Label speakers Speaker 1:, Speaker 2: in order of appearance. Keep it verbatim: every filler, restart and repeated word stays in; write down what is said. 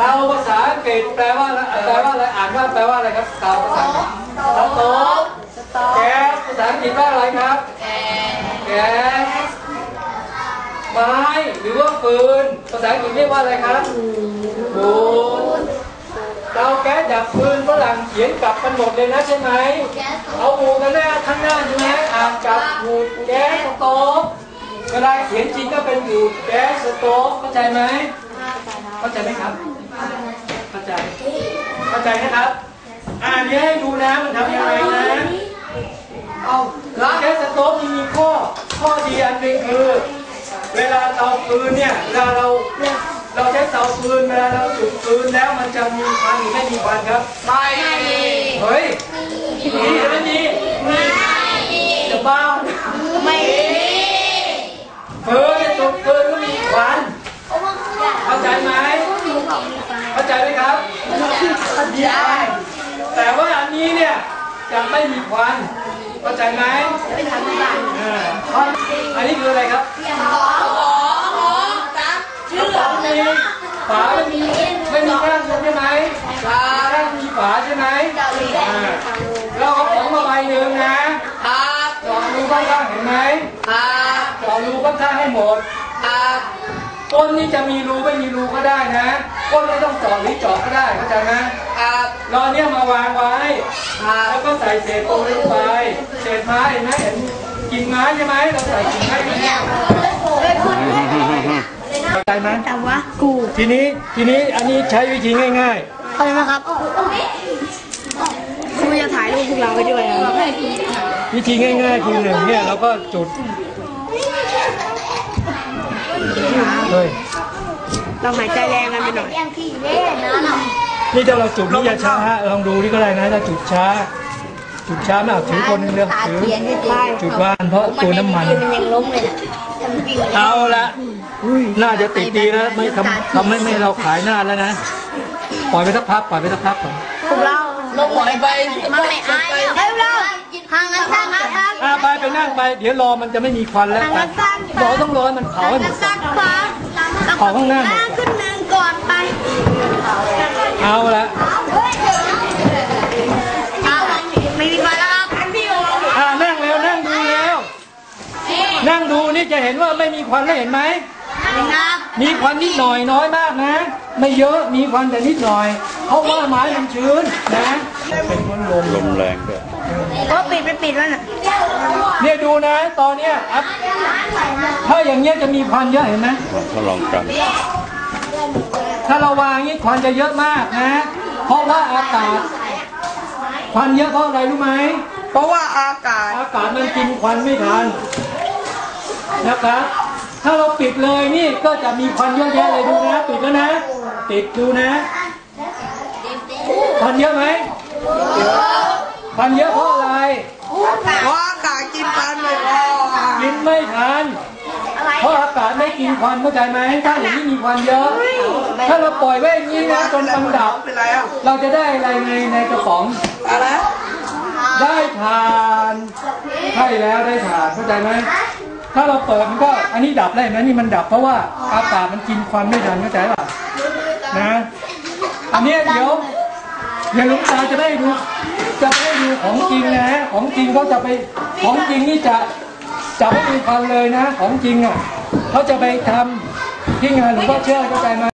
Speaker 1: เตาภาษาอังกฤษแปลว่าแปลว่าอะไรอ่านว่าแปลว่าอะไรครับเตาภาษาอังกฤษสโต๊ะแก๊สภาษาอังกฤษว่าอะไรครับแก๊สไม้หรือว่าฟืนภาษาอังกฤษเรียกว่าอะไรครับบูดเตาแก๊สดับฟืนฝรั่งเขียนกลับกันหมดเลยนะใช่ไหมเอาบูดกันหน้าข้างหน้าใช่ไหมอ่านกับบูดแก๊สสโต๊ะเวลาเขียนจริงก็เป็นบูดแก๊สสโต๊ะเข้าใจไหมเข้าใจไหมครับเข้าใจเข้าใจนะครับอ่านนี้ให้ดูนะมันทำยังไงนะเอาแก๊สสโต๊ะมีข้อข้อดีอันหนึ่งคือเวลาเตาฟืนเนี่ยเวลาเราเราใช้เตาฟืนเวลาเราจุดฟืนแล้วมันจะมีควันหรือไม่มีควันครับไม่มีเฮ้ยมีหรือไม่มีไม่มีจะบ้าไม่มีฟืนจุดฟืนก็มีควันเข้าใจไหมเข้าใจไหมครับเข้าใจแต่ว่าอันนี้เนี่ยจะไม่มีควันเข้าใจไหมไม่ทำได้อันนี้คืออะไรครับชื่อมีฝาไม่มีไม่มีแก้มใช่ไหมฝาแก้มมีฝาใช่ไหมเราเอาของมาใบหนึ่งนะเจาะรูข้างๆเห็นไหมเจาะรูข้างๆให้หมดก้นนี่จะมีรูไม่มีรูก็ได้นะก้นไม่ต้องเจาะหรือเจาะก็ได้เข้าใจไหมเราเนี่ยมาวางไว้แล้วก็ใส่เศษปูนลงไปเศษไม้เห็นไหมเห็นกิ่งไม้ใช่ไหมเราใส่กิ่งไม้เข้าใจไหมแต่ว่ากูทีนี้ทีนี้อันนี้ใช้วิธีง่ายๆเข้าใจไหมครับคุณจะถ่ายรูปพวกเราไปด้วยนะวิธีง่ายๆคือหนึ่งเนี่ยเราก็จุดเฮ้ยเราหายใจแรงกันไปหน่อยนี่ถ้าเราจุดนี่จะช้าลองดูนี่ก็ได้นะถ้าจุดช้าจุดช้าไม่เอาถือคนนึงเร็วถือจุดวานเพราะตัวน้ำมันเอาละน่าจะติดดีแล้วไม่ทำทำให้ไม่เราขายหน้าแล้วนะปล่อยไปสักพักปล่อยไปสักพักก่อนพวกเราลงปล่อยไปมาไม่อายเฮ้ยเราห่างกันสักพักอ่าไปไปนั่งไปเดี๋ยวรอมันจะไม่มีควันแล้วไปรอต้องรอมันเผาให้หมดเผาข้างหน้าหมดขึ้นหนึ่งก่อนไปเอาละไม่มีควันแล้วอ่านั่งแล้วนั่งดูแล้วนั่งดูนี่จะเห็นว่าไม่มีควันแล้วเห็นไหมมีควันนิดหน่อยน้อยมากนะไม่เยอะมีควันแต่นิดหน่อยเพราะว่าไม้มันชื้นนะเป็นคนลมลมแรงด้วยก็ปิดไปปิดแล้วน่ะเนี่ยดูนะตอนเนี้ยถ้าอย่างเงี้ยจะมีควันเยอะเห็นไหมทดลองกันถ้าเราวางงี้ควันจะเยอะมากนะเพราะว่าอากาศควันเยอะเพราะอะไรรู้ไหมเพราะว่าอากาศอากาศมันกินควันไม่ทันนะครับถ้าเราปิดเลยนี่ก็จะมีควันเยอะแยะเลยดูนะปิดแล้วนะติดดูนะควันเยอะไหมควันเยอะเพราะอะไรเพราะอากาศกินควันไม่พอกินไม่ทันเพราะอากาศไม่กินควันเข้าใจไหมถ้าอย่างนี้มีควันเยอะถ้าเราปล่อยไว้อย่างนี้นะจนมันดับเราจะได้อะไรในในกระป๋องอะไรได้ทานใช่แล้วได้ทานเข้าใจไหมถ้าเราเปิดมันก็อันนี้ดับได้ไหมนี่มันดับเพราะว่าอากาศมันกินควันไม่ทันเข้าใจป่ะนะอันนี้เดี๋ยวเดี๋ยวลุงตาจะได้ดูจะได้ดูของจริงนะของจริงเขาจะไปของจริงนี่จะจะไม่มีควันเลยนะของจริงอ่ะเขาจะไปทำที่งานหลวงพ่อเชื่อเข้าใจไหม